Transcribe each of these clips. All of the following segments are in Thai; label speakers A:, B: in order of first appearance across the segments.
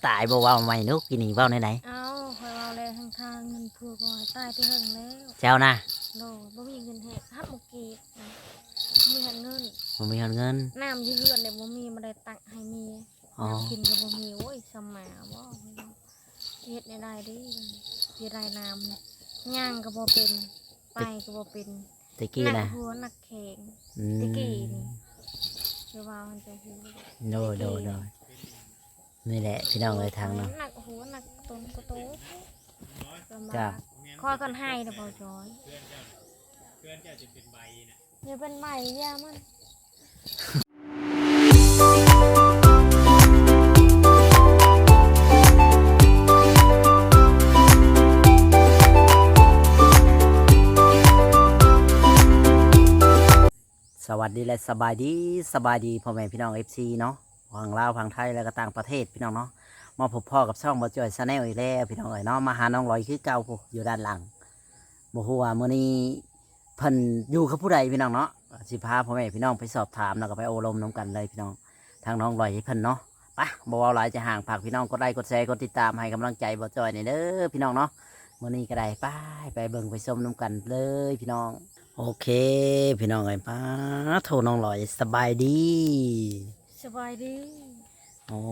A: ตายบ่เว้าใหม่นุกกินนี่เว้าไหน
B: เอาคอยเอาเลยทางเงินผัวก่อยตายที่หึงแล้ว
A: ๆเจ้านะ
B: โดบ่มีเงินให้ฮับบ่กีบนะมีเงิน
A: บ่มีเงิน
B: น้ำยืเฮือนเนี่ยบ่มีมาได้ตักให้มีน้ำกินก็บ่มีโอ้ยสมาบ่เฮ็ดได้ดิเฮ็ดได้น้ำเนี่ยย่างก็บ่เป็นไปก็บ่เป็น
A: ตะกี้นะ
B: หัวนักแข่งตะกี้นี่คือว่ามันจะฮู้
A: โดนี่แหละพี่น้องเลยทางเนาะ
B: หนักหัวหนักต้นกระโตจ้าคอยกันให้นะพ่อจอยเพื่อนจะเป็นใบนะอย่าเป็นใบย่ามัน
A: สวัสดีและสบายดีพ่อแม่พี่น้อง FC เนาะฝั่งลาวฝั่งไทยแล้วก็ต่างประเทศพี่น้องเนาะมาพบพ่อกับช่องบ่จ่อยชาแนลอีกแล้วพี่น้องเนาะมาหาน้องลอยคือเก่าอยู่ด้านหลังบ่ฮู้ว่ามื้อนี้เพิ่นอยู่กับผู้ใดพี่น้องเนาะสิพาพ่อแม่พี่น้องไปสอบถามแล้วก็ไปโอลมน้ำกันเลยพี่น้องทางน้องลอยให้เพิ่นเนาะไปบ่เว้าหลายจะห่างฝากพี่น้องกดไลค์กดแชร์กดติดตามให้กำลังใจบ่จ่อยนี่เด้อพี่น้องเนาะมื้อนี้ก็ได้ไปเบิ่งไปชมน้ำกันเลยพี่น้องโอเคพี่น้องไอ้ป้าโทรน้องลอยสบายดีโอ้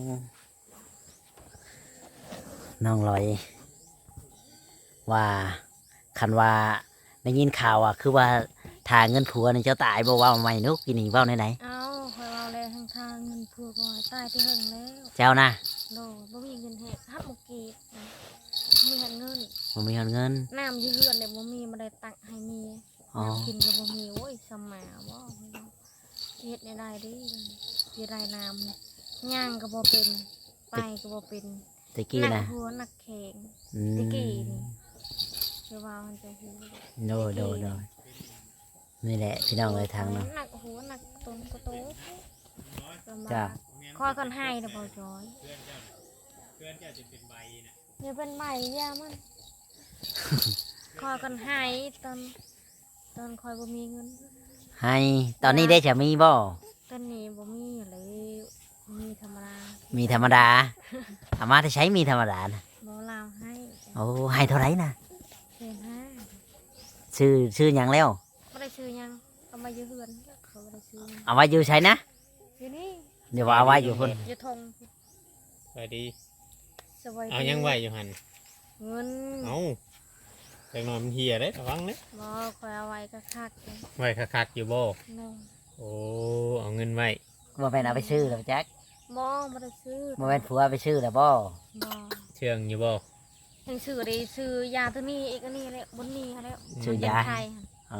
A: น้องลอยว่าคันว่าได้ยินข่าวอ่ะคือว่าทางเงินผัวนี่เจ้าตายบ่ว่าใหม่นุกกินนี่เว้าไหน
B: เอาคอยเอาเลยทางเงินผัวก่อยตายที่หึงแล้ว
A: เจ้านะ
B: โดบ่มีเงินให้ฮับบ่กีบนะมีเงิน
A: บ่มีเงิน
B: น้ำยืเฮือนเนี่ยบ่มีมาได้ตักให้มีน้ำกินก็บ่มีโอ้ยสมาบ่เฮ็ดได้ดิเฮ็ดได้น้ำเนี่ยย่างก็บ่เป็นไปก็บ่เป็น
A: ตะกี้นะ
B: หัวนักแข่งตะกี้นี่คือว่ามันจะฮู้
A: โดนี่แหละพี่น้องเลยทางเนาะ
B: หนักหัวหนักต้นกระโตจ้าคอยกันให้นะพ่อจอยเพื่อนจะเป็นใบนะอย่าเป็นใบย่ามันคอยกันให้ตอนคอยบ่มีเงิน
A: ให้ตอนนี้ได้จะมีบ่
B: ตอนนี้บ่มีเลยมีธรรมดา
A: อามาจะใช้มีธรรมดานะ
B: บ่ลาวให้
A: โอ้ให้เท่าไรนะ
B: 1,500
A: ชื่อยังแล้ว
B: ไม่ได้ชื่อยังเอามาอยู่เฮือนเขาไม่ได้ชื่อ
A: เอาไว้อยู่ใช้นะ
B: อยู่นี่
A: เดี๋ยวเอาไว้อยู่คน
B: อยู่ทง
C: สวัสดี
B: สวัสดี
C: เอายังไหวอยู่หัน
B: เงิน
C: เอาแต่นอนมันเหี่ยเลยระวังเลย
B: บ่คอยเอาไว้คัก
C: ไหวคักอยู่บ่โอ้เอาเงินไว้
A: บ่เป็นเอาไปซื้อแล้วแจ็ค
B: บ่ไม่ได้ซื้อ
A: บ่เป็นผัวไปซื้อแล้วบ่
C: เชื่องอยู่บ่
B: ยังซื้อได้ซื้อยาตัวนี้อีกอันนี้แล้วบนนี้แล้ว
A: ซื้อยาอ๋อ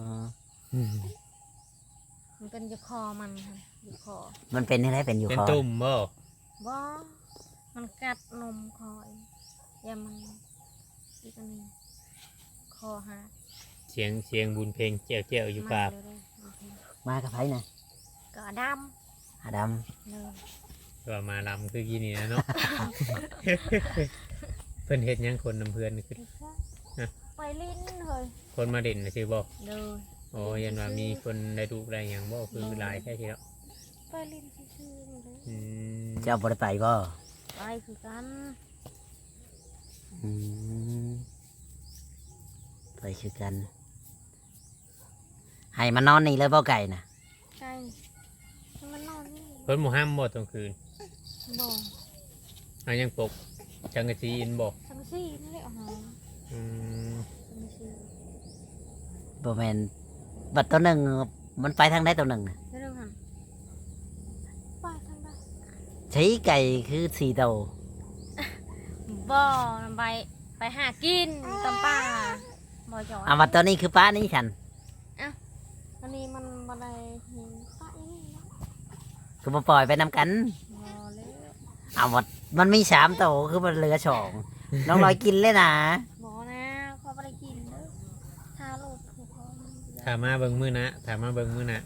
B: มันเป็นอยู่คอมันค่ะอยู่คอ
A: มันเป็นอะไรเป็นอยู่คอ
C: เป็นตุ่มบ่
B: มันกัดนมคอยยามันอีกอันนี้คอฮะ
C: เสียงบุญเพลงเจียวอยู่ปาก
A: มากับไผนะ
B: ก็ด
C: ำก็มาลำคือกินนี่นะเนาะเพิ่นเฮ็ดยังคนนำเพื่อนคือ
B: ไปลิ้นเลย
C: คนมาเด่นนะชื่อบ่โอ้ยันว่ามีคนได้ดูได้อย่างบ่คือหลายแค่ทีแล้ว
B: ไปลิ้นชื่อ
A: เจ้าบ่ได้ไปบ่
B: ไปคือกัน
A: ไปคือกันให้มันนอนนี่เลยบ่ไก่น่ะ
B: ไก่มันนอนนี่
C: เพิ่นบ่ห้ามบ่ตอนคืน
B: บ่
C: เอายังปกจังกะจีอินบ่
B: จังกะจีนั่นแหละ
A: บ่แม่นบัดตัวหนึ่งมันไปทางใดตัวหนึ่ง
B: ไปทางใด
A: ใช้ไก่คือ4 ตัว
B: บ่ไปหากินตำป่าบ่จ่อย
A: บัดตัวนี้คือป้านี่ฉัน
B: อันนี้มันบ่ได้เห็นป้าอีนี่เนาะ
A: คือบ่ปล่อยไปนำกัน
B: บ่
A: เลยบัดมันมี3 ตัวคือมันเหลือ2น้องลอยกินเลยนะ
B: บ่นะเขาบ่ได้กินเด้อทาโลดผู้เขา
C: ถามมาเบิ่งมื้อนะ
B: ทาโลด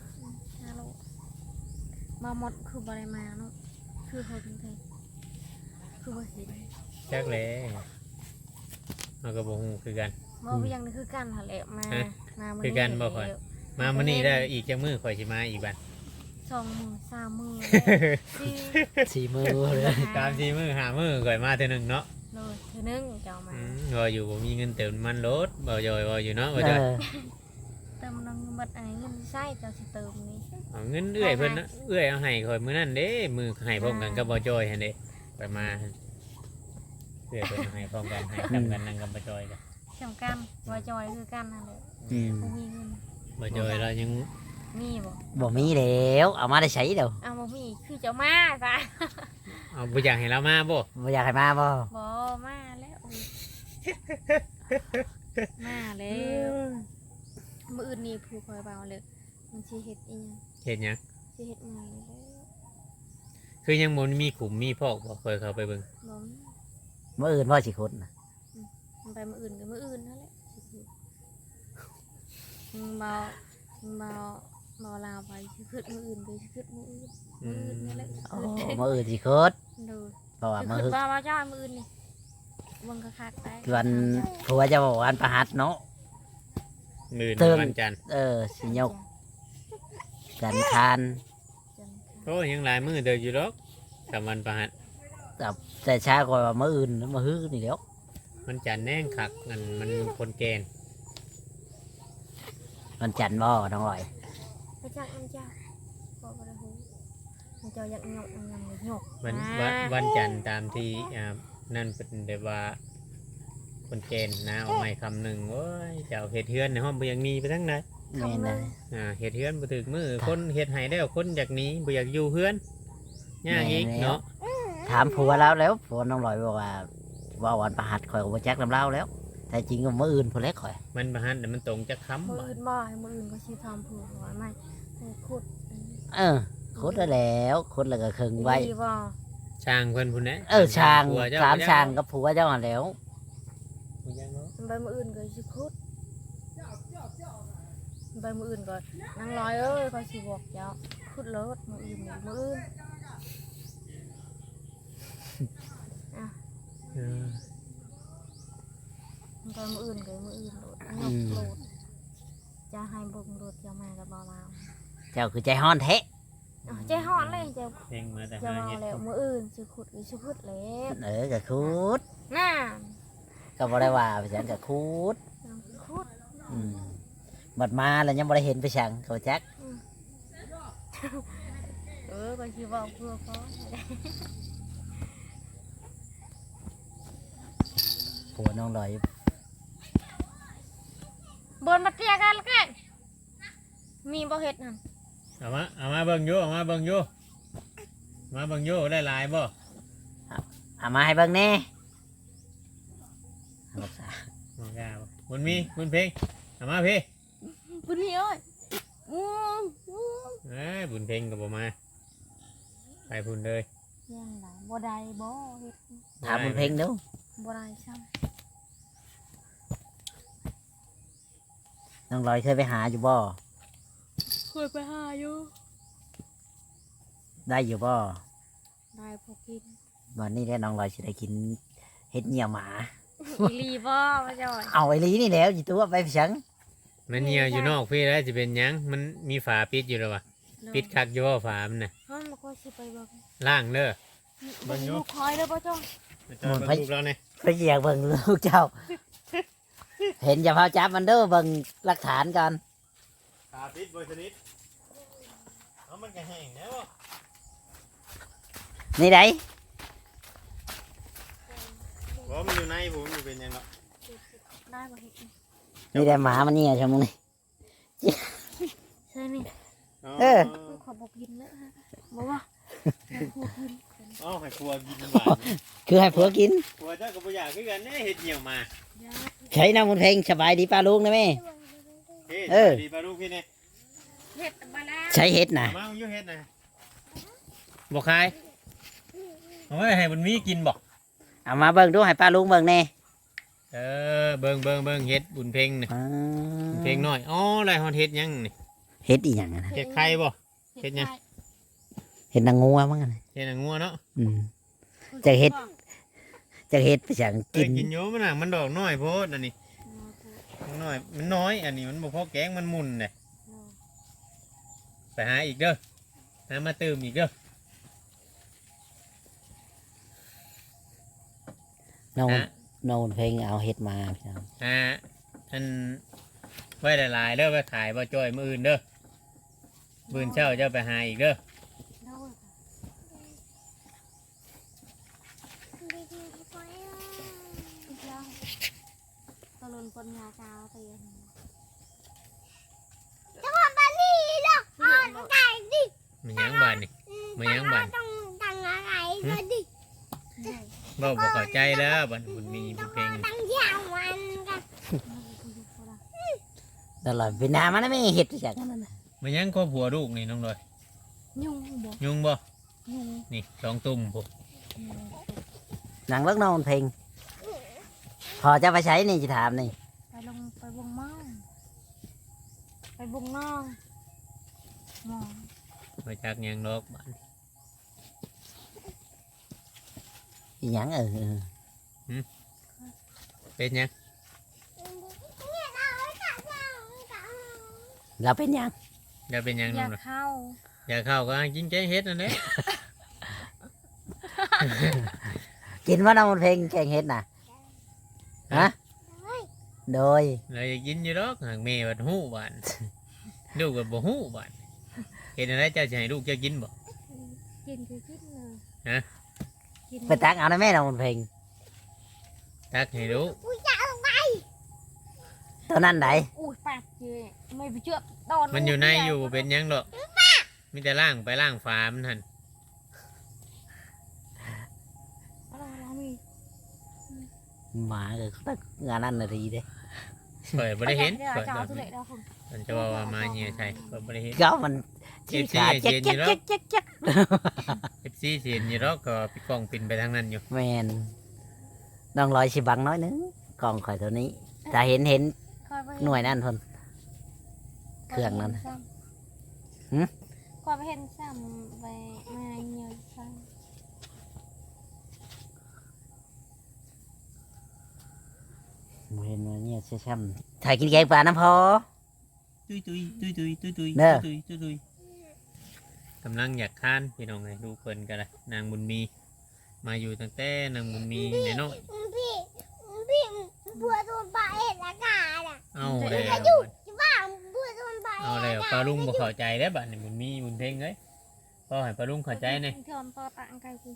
B: มาหมดคือบ่ได้มาเนาะคือเขาถึงไทยคือบ่เห็น
C: จักเลยเราก็บ่ฮู้คือกัน
B: บ่ยังนี่คือกันหั่นแหละมา
C: คือกันบ่ค่อยมามื้อนี้ได้อีกจักมื้อข่อยสิมาอีกบัด
B: 2 มื้อ3 มื้อสี่
A: สี่มือเลย
C: ตาม4มื้อ5มื้อก่อยมาเทื่อหนึงเนาะ
B: เลยเทื่อนึงเจ้ามา
C: ว่าอยู่บ่มีเงินเติมน้ำมันรถบ่จอยว่าอยู่เนาะบ่จอย
B: เติมน้ำมันเงินใช้เจ้าสิเติมนี่
C: เอาเงินเอื้อยเพิ่นนะเอื้อยเอาให้ข่อยมื้อนั้นเด้มือให้พร้อมกันกับบ่จอยหั่นเด้ไปมาเอื้อยเพิ่นให้พร้อมกันให้ทำกันนั่งกับบ่จอยกัน
B: สำคัญบ่จอยคือกันนั่นแหละ
A: อืม
B: บ่มีเงิน
C: บ่จอยเรายัง
B: มีบ่
A: บ่มีแล้วเอามาได้ใช้เดี๋ยว
B: เอาบ่มีคือเจ้ามาซะ
C: เอาบ่อยากให้เรามาบ่
A: บ่อยากให้มาบ่
B: บ่มาแล้วมาแล้วมื้ออื่นนี่ผู้คอยเบาเลยมันสิเฮ็ดอีหยัง
C: เฮ็ดหยัง
B: สิเฮ็ดใหม่แล้ว
C: คือยังบ่มีขุมมีพอกบ่เคยเข้าไปเบิ่ง
B: บ่มี
A: มื้ออื่นพ่อสิขุดน่ะ
B: มันไปมื้ออื่นก็มื้ออื่นนั่นแหละสิพูดเบาเบาลาวไปสิขึ้นมื้ออื่นไปสิขึ้นมื้ออื่นนี่แหละ
A: โอ้มื้ออื่นสิขุด
B: ดู
A: เพราะว่า
B: สิ
A: มื้อ
B: ขึ้นบ่จ้อยมื้ออื่นนี่เบิ่งคักๆไป
A: วันผัวจะบอกวันประหัสเนาะ
C: มื้อ
A: เติม
C: วันจันทร์
A: สิยกจันทร์คาน
B: จันทร์
C: โอ้ยังหลายมื้อเด้ออยู่ดอกกับวันประหัส
A: แต่ช้ากว่ามื้ออื่นมื้อฮื้อนี่แหล้ว
C: มันจันทร์แน่งคักมันคนแกน
A: วันจันทร์บ่น้องลอย
B: ไปจักมันจ้าบ่ได้ฮู้มันเจ้าอยากยกมันยังบ่ยก
C: วันจันทร์ตามที่นั่นเป็นแบบว่าคนแกนนะเอาไม้คำหนึ่งโอ้ยเจ้าเฮ็ดเฮือนในห้องบ่อยากหนีไปทั้งนั้น
A: แม่นเลย
C: เฮ็ดเฮือนบ่ถึกมือคนเฮ็ดให้แล้วคนอยากหนีบ่อยากอยู่เฮือนยากอีกเนาะ
A: ถามผัวแล้วผัวน้องลอยบอกว่าวันประหัสข่อยก็บ่จักนำเล่าแล้ว แต่จริงก็มื้ออื่นพุ่นแหละข่อย
C: มันประหันแต่มันตรงจะค้ำ
B: มื้อ
C: บ่
B: อื่นบ่ให้มื้ออื่นก็สิทำผู้หัวใหม่ให้ขุด
A: ขุดได้แล้วขุดแล้วก็ครึ่งไว้
B: ดีบ่
C: ช่างเพิ่นพุ่นแหละ
A: ช่าง
C: ผัวเจ้
A: สามช่างกับผัวเจ้าหั่นแหล้ว
C: บ่ยังเนาะ
B: มันไปมื้ออื่นก็สิขุดมันไปมื้ออื่นก็นางร้อยเอ้ยก็สิบอกเจ้าขุดเลิศมื้ออื่นนี่มื้ออื่น
C: เออ
B: มันไปมื้ออื่นก็มื้ออื่นโลดยกโลดจะให้เบิ่งโลดจะมาก็บ่ลาว
A: เจ้าคือใจฮ้อนแท้
B: ใจฮ้อนเลยเจ้า
C: เพลงมาแต่
B: จะ
C: หา
B: มา
C: เฮ็ด
B: แล้วมื้ออื่นสิขุดอีสิขุดแล้ว
A: ก็ขุด
B: น่า
A: ก็บ่ได้ว่าไปฉันก็ขุด
B: ขุด
A: อืมบัดมาแล้วยังบ่ได้เห็นไปช่างเขาจัก
B: ก็สิบอกเพื่อเขา
A: ผัวน้องลอย
B: บนมาเตียกันแล้วกันมีบ่เฮ็ดนั่น
C: เอามาเบิ่งอยู่มาเบิ่งอยู่ได้หลายบ่
A: เอามาให้เบิ่งแน่บอกซะ
C: บ่กล้าบ่บุญมีบุญเพลงเอามาพี่
B: บุญมีเอ้ย
C: บุญเพลงก็บ่มาไปพุ่นเลย
B: ยังไดบ่ได้บ่เฮ็ด
A: ถามบุญเพ็งดู
B: บ่ได้ซ้
A: น้องลอยเคยไปหาอยู่บ่
B: ำเคยไปหาอยู่
A: ได้อยู่บ่
B: ได้พอกิน
A: วันนี้แหละน้องลอยสิได้กินเฮ็ดเหนี่ยวหมา
B: อีหลีบ่มาจ่อย
A: เอาไอ้ลีนี่แล้วจิตัวไปฉัง
C: มันเหี่ยวอยู่นอกพี่แล้วจะเป็นหยังมันมีฝาปิดอยู่แล้ววะปิดคักอยู่ว่าฝามันน่ะ
B: เฮามันก็สิไปเบิ่ง
C: ล่างเด้อ เบิ่
B: เบิ่
C: ง
B: ง
C: อยู่
B: ลูกคอยเด้อบ่จ้อย
C: จอยเบิ่งลูกแล้วเนี่ย
A: ไปเหยียบเบิ่งลูกเจ้า เห็นอย่าพาจับมันเด้อเบิ่งหลักฐานก่อน
C: ฝาปิดบ่สนิทเอามันก็แห้งแล้ว
A: นี่ได
C: บ่มันอยู่ในผมอยู่เป็นหยังเนาะ
B: ได้บ่เฮ็ด
A: นี่ได้หมามันเนี่ยชั่วโมงนี้
B: ใช่นี่ ขอบ่กินแล้วฮะบ่ว่าให้ครูกิน
C: อ๋อให้ครัวกินหวาน
A: คือให้ผัวกิน
C: ครัวเจ้าก็บ่อยากคือกันแน่เฮ็ดเหี่ยวมา
B: ยา
A: ใช้น้ำมันเพลงสบายดีป้าลุงนะแม่
C: เฮ้ยดีปลาลูกพี่เนี่ย
B: เฮ็ดมาแล้ว
A: ใช้เฮ็ดนะ
C: มาอยู่เฮ็ดนะบ่คายเอาไว้ให้มันมีกินบ่
A: เอามาเบิ่งดูให้ป้าลุงเบิ่งแน่
C: เบิ่งเฮ็ดบุญเพ็งนี่
A: อ่า
C: บุญเพ็งน้อยอ๋อไรฮอดเฮ็ดหยังนี่
A: เฮ็ดอีหยังอะนะ
C: เฮ็ดไข่บ่ เฮ็ดหยัง
A: เฮ็ดนางงัวมั้งอะนะ
C: เฮ็ดหนังงัวเนาะ
A: อืม จะเฮ็ด จะเฮ็ดไปฉัง
C: กิ
A: กิน
C: กินอยู่มันน่ะมันดอกน้อยโพดอันนี้มันน้อยมันน้อยอันนี้มันบ่พอแกงมันมุนเด้ไปหาอีกเด้อหามาตื่มอีกเด้อ
A: น้อง
C: ฮะ
A: น้องเพลงเอาเฮ็ดมาพี่น้อง
C: อันไว้หลายๆเด้อไปขายบ่จ้อยมื้ออื่นเด้อมื้อเช้าเจ้าไปหาอีกเด้อ
B: โดยอีกแล้วตะลุนปนยาเจ้าเตียนจังหวะปานี่เนาะอ่อนไก่ดิ
C: มันยังบานนี่มันยังบาน
B: ต้องดังอะไรก็ดิ
C: เว้าบ่เข้าใจแล้วบัดบุญมีบุญเพลง
B: ดังยาวมันกัน
A: ตลอดเวลามันไม่เฮ็ดจากนั้นน่ะ
C: มันยังครอบครัวลูกนี่น้องดอย
B: ยุ่งบ่
C: ยุงบ่
B: ยุ่ง
C: นี่สองตุ่มพวก
A: หนังเลิกน้องเพลงพอจะไปใช้นี่จะถามนี่
B: ไปลงไปบงมองไปบงน้องมอง
C: มาจากหยังดอกบ้าน
A: อีหยัง
C: เป็นหยัง
A: เราเป็นหยัง
C: อย่าเป็นหยัง
B: อ
C: น้
B: ยา
C: อก งดอย
B: เข้า
C: อย่าเข้าก็กินแกงเฮ็ดนั่นแหละ
A: กินว่าน้องเพลงแกงเฮ็ดน่ะฮะโดย
C: เราอยากกินอยู่ดอกหากแม่บัดฮู้บ้านลูกก็บ่ฮู้บ้านเฮ็ดอะไรเจ้าสิให้ลูกเจ้ากินบ่
B: กินคือกินเลย
C: ฮะ
B: กิน
A: ไปตักเอานะแม่น้องเพลง
C: ตักให้ลูก
A: ตัวนั้นไหน
B: อุ้ยปากเจไม่ไปเชื่อโดน
C: มันอยู่ในอยู่บ่เป็นหยังดอกมีแต่ล่างไปล่างฝามันหั่น
B: เรามี
A: หมาก็ตักงานนั้นน่ะดีเด้
C: ข่อยบ่ได้เห็น
B: เดี๋ยว
C: ข่อย
B: จะเอา
C: แบบ
B: ทุเรศแล้วคุณ
C: มันจะว่ามาเหี่ยใช่ข่อยบ่ได้เห็น
A: ก็มันที่ขาเจ๊ก
C: เจ็บๆอยู่
A: เจ๊ก
C: แล้ว
A: เจ๊กเจ๊ก
C: FC สิเห็นอยู่ดอกก็ปิดกล้องปินไปทางนั้นอยู่
A: แมนน้องลอยสิบังน้อยนึงกล่องข่อยตัวนี้ถ้าเห็นหน่วยนั่นทน เครื่องนั้น หึ
B: ก่อนไปเห็นซ้ำไปมาเยอะซ้
A: เห็นว่าเนี่ยใช่ๆถ่ายกินแกงปลาน้ำพอ
C: ตุยตุยตุยตุยตุยตุย
A: เด้อ
C: ตุยตุยตุยกำลังอยากทานพี่น้องเลยดูเพิ่นกันเลยนางบุญมี มาอยู่ตั้งแต่นางบุญมีน้อย
B: พี่บัวตัวปลาเห็ดอากาศอ่ะ
C: ๆเอาแล้ว
B: บ้าบัวตัวปลา
C: เอาแล้วปลาลุงบ่เข้าใจแล้วบัดนี้บุญมีบุญเพ่งเอ้ยพ่อให้ปลาลุงเข้าใจหน่อย
B: ทอนปลาตังไก่กู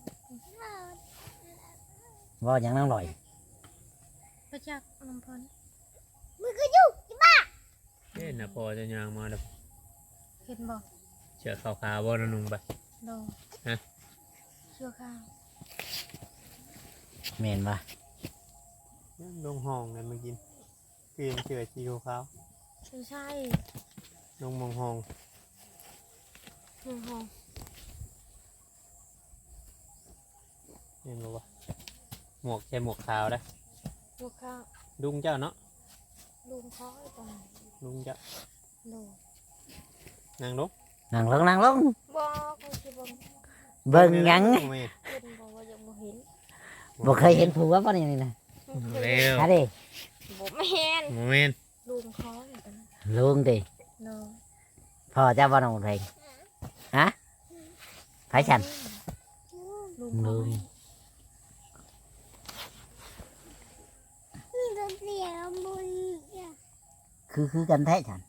A: ว่าอย่างน้องลอย
B: ประจักษ์น้ำพันมือก็อยู่
C: เอ้น่ะพอจะยางมาเด้อ
B: เห็นบ่
C: เชือกขาวๆบ่ละนุ่งไป
B: โด
C: ฮะ
B: เชื่อข้าว
A: แมนปะ
C: ลงห้องเลยมากินเปลี่ยนเชือกสีขาว
B: ไม่ใช่
C: ลงมองห้อง
B: เชื่อข้าว
C: เห็นบ่วะหมวกใส่หมวกขาวได้
B: เชื่อข้าว
C: ลุงเจ้าเนาะ
B: ลุงเขาไอ้ตอน
C: ลุงเจ้า
B: โด
C: นางลง
A: นั่งลง
B: บ่เขาคิดว่า
A: เบิ่งหยัง
C: แม่
B: เห็นบ่ว่ายังบ่เห็น
A: บ่เคยเห็นผัวป่ะนี่นะ
C: เร็ว
A: ฮะดิ
B: บ่แม่น
C: โมเมนต์
B: ลุงเขาไอ้ตอน
A: ลุงดิ
B: โด
A: พ่อเจ้าบ่น้องเพลงฮะไผฉัน
B: ลุง
A: ลุ
B: เขา
A: ง
B: นี่จะเสียบุญ
A: คือกันแท้ฉัน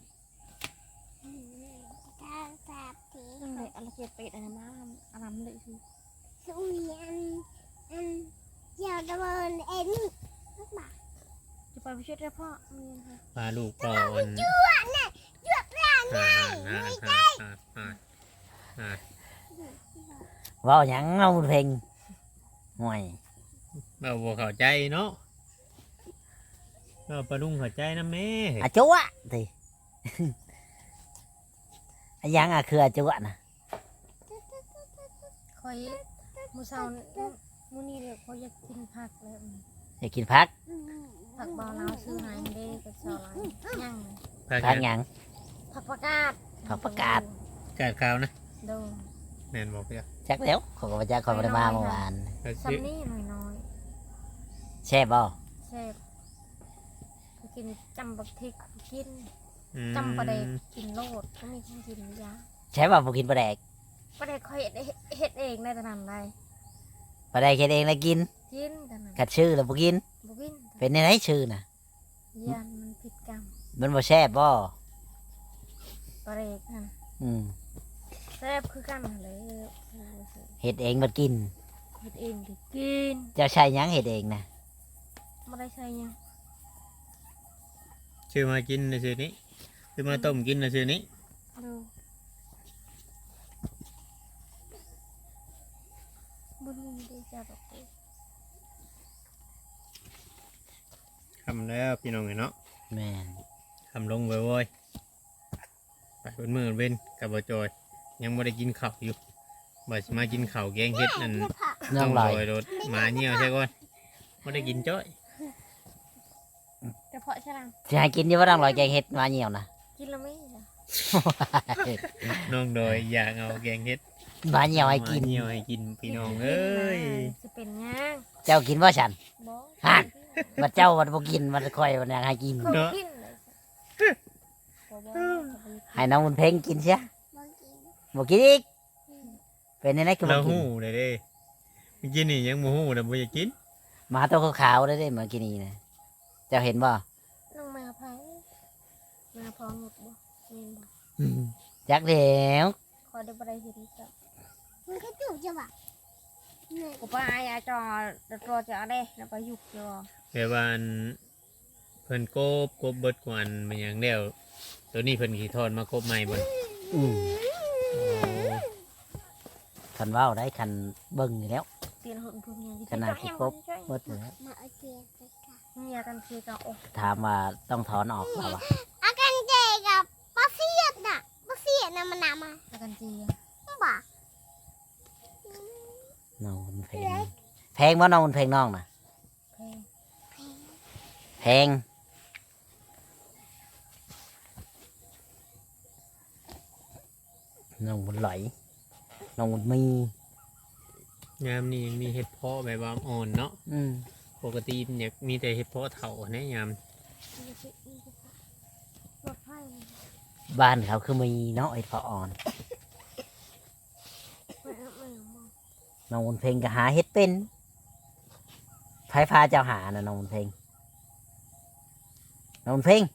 B: นั่นแหละอะไรเจ็บเป็ดอะไรมาอะไรมันเลยคือ
D: สุยันเจ้าตะเบินเอ็น
B: จะไปไปช่วยได้พ่อมีค่ะ
C: พาลูกก่อนอ่า
A: เว่าหยังน้องเพลงห่วย
C: เราบ่เข้าใจเนาะเราปลาลุงเข้าใจนะแม่
A: อะจัวดิ อะหยังอะคืออะจัวนะ
B: คอยมูเซามูนี่เลยเขาอยากกินผักแล้ว
A: อยากกินพัก
B: ผักบอลาวซื้อหายเด้กับซอลายย่าง
C: พา
A: พั
C: กั
A: ก
C: น
A: หยัง
B: ผักประกาศ
A: ผักประกาศ
C: กาดขาวนะ
B: โด
C: แม่นบอกเพื่อน
A: จักแล้วขอยก็บ่จักขอยบ่ได้มาเมื่อวาน
B: ซัมนี่หน่อย
A: แช่บบ่
B: ๆแซ่บก็กินจำบักทิกกินจำปลาแดกกินโลดก็มีคนกินยา
A: แช่บ่บ่กินปลาแดก
B: ประเด็กคอยเฮ็ดเองได้แต่นั้นได้
A: ไปได้แค่เองแล้วกิน
B: กินแต่นั้น
A: กัดชื่อแล้วบ่กิน
B: บ่กิน
A: เป็นในไหนชื่อน่ะ
B: ยันมันผิดกรรม
A: มันบ่แซ่บบ่
B: ประเด็กนั่น
A: อืม
B: แซ่บคือกันนั่นเลย
A: เฮ็ดเองบ่กิน
B: เฮ็ดเองก็กิน
A: เจ้าใช้หยังเฮ็ดเองน่ะ
B: บ่ได้ใช้หยัง
C: ชื่อมากินในชื่อนี้ชื่อมาต้มกินในชื่อนี้
B: ดูบุญมีได้จับออกไป
C: คำแล้วพี่น้องเนาะ
A: แม่น
C: คำลงบ่อยๆไปเป็นมือเว้นกับบ่จอย ยังไม่ได้กินข้าวอยู่บ่สิมากินข้าวแกงเฮ็ดนั่น
A: น้องลอย
C: รถหมาเหี่ยวใช่ก่อนไม่ได้กินจ้อย
B: แต่เพาะฉลาม
A: สิให้กินอยู่บ่น้องลอยแกงเฮ็ดมาเหี่ยวน่ะ
B: กินแล้วไม่เหรอ
C: น้องโดยอยากเอาแกงเฮ็ด
A: มาเหี่ยวให้กิน
C: หมาเหี่ยวให้กินพี่น้องเอ้ย
B: จะเป็นยัง
A: เจ้ากินบ่ฉัน
B: บ่
A: ฮะ บัดเจ้าบัดบ่กินบัดค่อยวันยังให้กิน
B: ก็กินเลยบ่
A: ให้น้องมันเพ่งกินเสีย
D: บ่กิน
A: บ่กินอีกเป็นในไหนคือบ่
C: เรา
A: กิน
C: หู้เลยเด้เมื่อกี้นี่ยังบ่หู้แต่บ่อยากกิน
A: หมาตัวขาวๆได้เด้เมื่อกี้นี้นะเจ้าเห็นบ่
B: น้องมาไผมาพร้อมหมดบ่แม่นบ่
A: จักแล้ว
B: ขอได้บ่ได้เห็นจ้ะ
D: มันก็จุกจะว่ะเนี่ย
B: กูไปอาจอรอจะเอาได้แล้วไปยุกจอ
C: แต่ว่าอันเพิ่นโกบเบิดกว่าอันมันหยังแล้วตัวนี้เพิ่นขี่ทอดมาโกบใหม่บ่
A: อืมคันเว้าได้คันเบิ่งอยู่แล้ว
B: เปลี่ยนหุ่นพุ่นยัง
A: ขนาดที่ครบ เบิดอยู่แล้ว
D: มาเอาเจียนไปกัน
B: เมียกันคือกับโอ้
A: ถามว่าต้องถอนออกเปล่าวะ
D: อากันเจกับปลาเสียดน่ะปลาเสียดน่ะมันน่ะมา
B: แล้วกันจี
D: บ่า
A: น้องมันเพลงแพงบ่น้องมันเพลงน้องน่ะ
B: เพลง
A: แพงน้องมันไหลน้องมันมี
C: ยามนี้ยังมีเห็ดเพาะแบบว่าอ่อนเนาะ
A: อืม
C: ปกติเนี่ยมีแต่เห็ดเพาะเถาแน่ยาม
B: รถไฟ
A: บ้านเขาคือมีเนาะไอ้พออ่อน
B: ไม่มอง
A: น้องมันเพลงก็หาเฮ็ดเป็นไฟฟ้าเจ้าหานะน้องมันเพลงน้องมันเพลง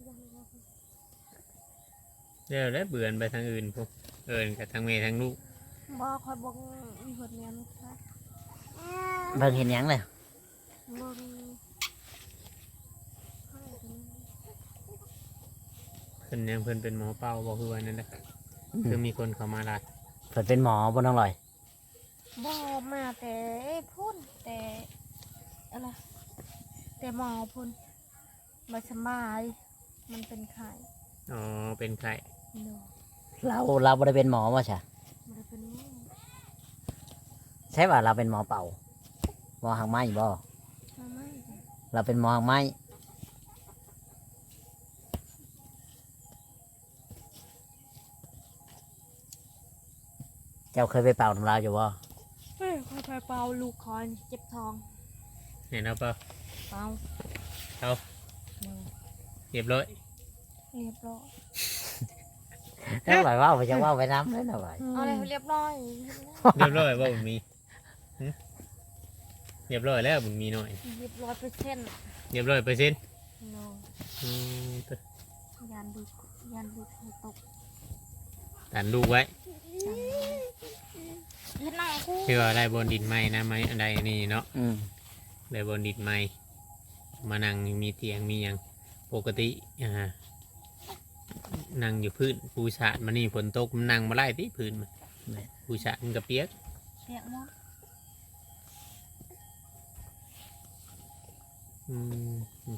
C: แล้วเบื่อนไปทางอื่นพวกเอินกับทางเมย์ทางลูก
B: บ่คอยบอกมีคนเมียลูกชาย
A: เบิ่งเห็นหยังเลย
B: บ่มี
C: เพิ่นยังเพิ่นเป็นหมอเป้าบอกคือวันนั้นแหละคือมีคนเข้ามาหลาย
A: เพิ่นเป็นหมอบนน้องลอย
B: บ่มาแต่พุ่นแต่อะไรแต่หมอพุ่นบ่สบายมันเป็นไข้
C: อ๋อเป็นไข่
B: เนาะ
A: เราบ่ได้เป็นหมอว่าใช่
B: บ่ได้เป็นหมอ
A: ใช่ว่าเราเป็นหมอเป่าหมอหางไม้บ่
B: มาไม่จ้ะ
A: เราเป็นหมอหางไม้เจ้าเคยไปเป่าน้ำลายอยู่บ่
B: เฮ้ยคอยไปเป่าลูกคอนเจ็บท้อง
C: เห็นเอาเปล่า
B: เป่า
C: เอา
B: เนาะ
C: เรียบร้อย
B: เรียบร้อย
A: น้องลอยว่าไปจะว่าไปน้ำเลยน้องลอย
B: เอาเลยเรียบร้อย
C: เรียบร้อยว่าบุญมีหึเรียบร้อยแล้วบุญมีหน่อย
B: เรียบร้อย%
C: เรียบร้อย%
B: เนาะ
C: อืม
B: ยันดูให้ตก
C: ตันลูกไว้
B: เฮ็ดหน้ากู
C: คือว่าได้บนดินไม้นะไม้อะไรนี่เนาะ
A: อืม
C: ได้บนดินไม้มานั่งมีเตียงมีอย่างปกตินั่งอยู่พื้นปูชาดมานี่ฝนตกมันนั่งมาไล่ที่พื้นมันปูชาดมันก็เปียก
B: เปียกหมด
C: อืม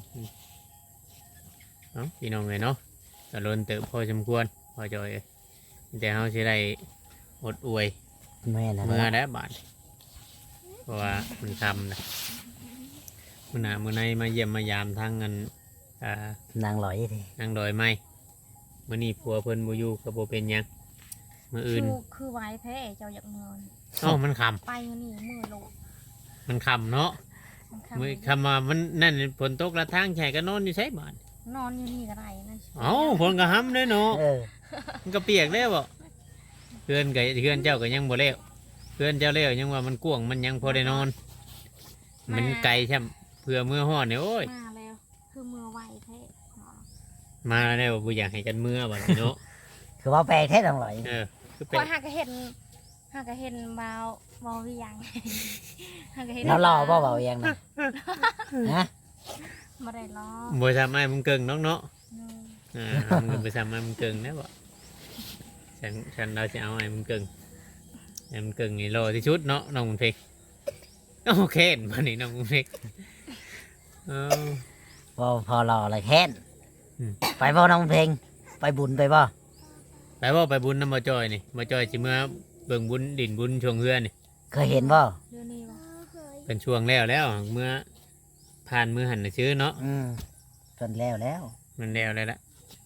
C: เนาะพี่น้องเลยเนาะก็ล้นเติบพอสมควรพอจอยเอ้ยแต่เขาจะได้อดอวย
A: แม่นะ
C: เมื่อได้บาทเพราะว่ามันทำนะมื่อหนามื่อในมาเยี่ยมมายามทางเงิน
A: นางลอยดิ
C: นางดอยไม้มื่อนี้ผัวเพิ่นบ่อยู่ก็บ่เป็นหยังมื่ออื่น
B: คือไว้แท้เจ้าอยากนอน
C: เอ้ามันค
B: ไปมื้อนี้มือโลด
C: ำมันคำเนาะ
B: มัน
C: มือคำว่ามันนั่นฝนตกละทางแฉก็นอนอยู่ใช่บ้าน
B: นอนอยู่นี่ก็ได้นะ
C: เอ้าฝนก็ห้ำเลยเนาะ
A: เออ
C: มันก็เปียกแล้วบ่เพื่อนกับเพื่อนเจ้าก็ยังบ่เล้วเพื่อนเจ้าเล้วยังว่ามันกว้างมันยังพอได้นอน มันไกลใช่เพื่อเมื่อห่อดเนี่ยโอ้ย
B: มาแล้วคือมือไวแท้เนาะ
C: มาแล้วบ่อยากให้กันเมื่อบัดนี้เนาะ
A: คือว่าแปลงแท้น้องลอย
C: คือ
B: ค
C: เป็น
B: อยหากเห็นเบาวิยัง หากเห็น
A: แล้วรอบ่เบาเองนะฮะ
B: บ่ได้รอ
C: บ่ทำให้มึงเกิงน้องเนาะ
B: เนอะ
C: มึงไปทำให้มึงเกิงนะบ่ฉันเราจะเอาให้มึงเกิงให้มึงเกิงนี่รอที่ชุดเนาะน้องบุญเพกโอเคมานี่น้องบุญเพกเออ
A: บ่พอรอเลยแค้น
C: อืม
A: ไปบ่น้องเพลงไปบุญไปบ่
C: ไปบ่ไปบุญน้ำบ่จอยนี่บ่จอยสิเมื่อเบิ่งบุญดินบุญช่วงเฮือนนี่
A: เคยเห็นบ่
B: เดี๋ยวนี้บ่
C: เป็นช่วงแล้วเมื่อผ่านมือหันน่ะชื่อเนาะ
A: จนแล้วแล้ว
C: มันแล้วเลยละ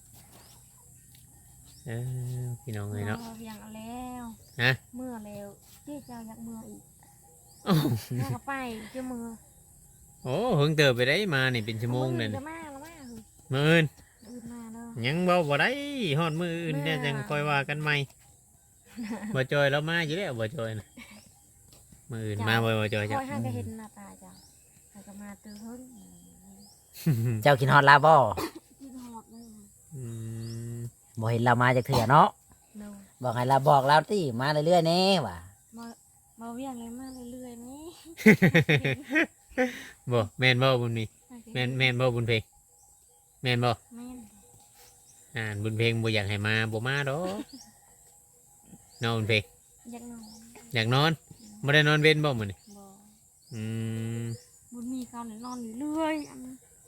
C: พี่น้องเลยเนาะ
B: เวิยังเอาแล้ว
C: ฮะ
B: เมื่อแล้วที่เจ้าอยากเมื่ออีก
C: โอ้
B: แล้วก็ไปเจ้ามือ
C: โหเพิ่งเติบไปได้มานี่เป็นชั่วโมงเลย
B: จะมาแล้วมาคือ
C: มื้ออื่น
B: อื่นมาเด้อ
C: ยังบ่ได้ฮอดมื้ออื่นเนี่ยจังค่อยว่ากันใหม่บ่จอยแล้วมาอยู่แล้วบ่จอยนะมื้ออื่นมาบ่จอย
B: ค
C: จ้ะ
B: อยหากเห็นหน้าตาเจ้าหากมาตื่นเพิ่น
A: เจ้ากินฮอดลาบ่
B: กินหอดเลย
C: อืม
A: บ่เห็นเรามาจากเถื่อเนาะ
B: เนาะ
A: บอกให้เราบอกเราติมาเรื่อยๆแน่ว่ะ
B: มาเวียงเลยมาเรื่อยๆนี่
C: บ่แม่นบ่บุญมีแม่นบ่บุญเพลงแม่นบ่
B: แม่น
C: บุญเพลงบ่อยากให้มาบ่มาดอกนอนบุญเพลง
B: อยากนอน
C: อยากนอนบ่ได้นอนเว้นบ่มื้อนี้
B: บ่
C: อืม
B: บุญมีเขาเนี่ยนอนอยู่เรื่อยอัน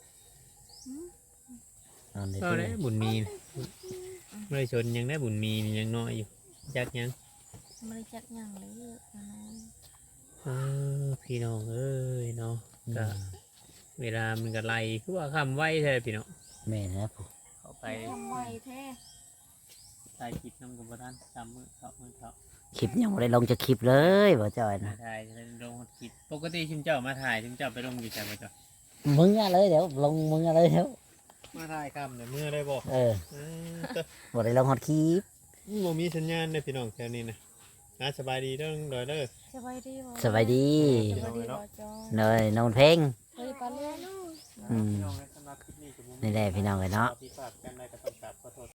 A: นอน
C: ก็
A: เรื่
C: ได้
A: อย
C: บุญมีนะไม่ได้ชนยังได้บุญมีนี่ยังน้อยอยู่จักยัง
B: ไม่ได้จัดหยังเลยอันนั้น
C: พี่น้องเอ้ยเนาะ
A: ๆ
C: ก็เวลามันก็ไล่คือว่าคำไว้ใช่พี่น้อง
A: แม่นะผู้
C: เข้าไป
B: ทำไวแท้
C: ถ่ายคลิปน้ำกับบ่ท่านจำมือเขา
A: คลิปยังบ่ได้ลงจะคลิปเลยบ่จอย
C: มา
A: นะ
C: ถ่ายลงคลิปปกติชิมเจ้ามาถ่ายชิมเจ้าไปลงอยู่ใจบ่จ้ะ
A: มึงอะเลยเดี๋ยวลงมึงอะเลยเดี๋ยว
C: มาถ่ายคำเนี่ยมือได้บ่
A: เออบ่ได้ลงฮอดคลิป
C: บ่มีสัญญาณเลยพี่น้องแถวนี้นะสบายดีเด้อดอยเด้อ
B: สบายดีบ่
A: สบายดี
B: สบายดีบ่จอย
A: เนยนอนเพลง
B: เฮ้ยปลาเลื่อน
A: อืม
C: พี่น้องสำหรับคลิปนี้
A: นี่แหละพี่น้องเอ้ยเนาะ
C: พี่ฝาก